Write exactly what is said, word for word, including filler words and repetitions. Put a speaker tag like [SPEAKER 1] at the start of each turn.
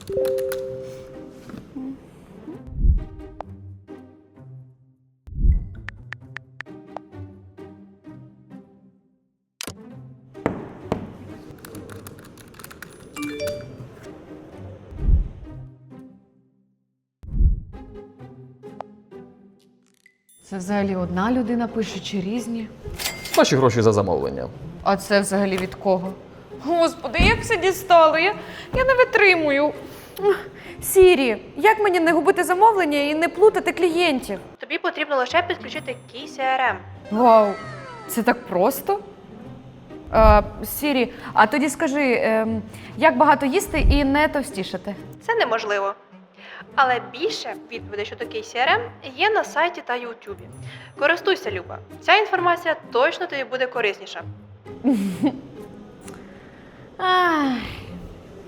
[SPEAKER 1] Це взагалі одна людина пише чи різні?
[SPEAKER 2] Ваші гроші за замовлення.
[SPEAKER 1] А це взагалі від кого? Господи, як все дістало? Я, я не витримую. Сірі, як мені не губити замовлення і не плутати клієнтів?
[SPEAKER 3] Тобі потрібно лише підключити кей сі ар ем.
[SPEAKER 1] Вау, це так просто? А, Сірі, а тоді скажи, ем, як багато їсти і не товстішати?
[SPEAKER 3] Це неможливо. Але більше відповідей щодо кей сі ар ем є на сайті та ютубі. Користуйся, Люба. Ця інформація точно тобі буде корисніша.
[SPEAKER 1] Ах,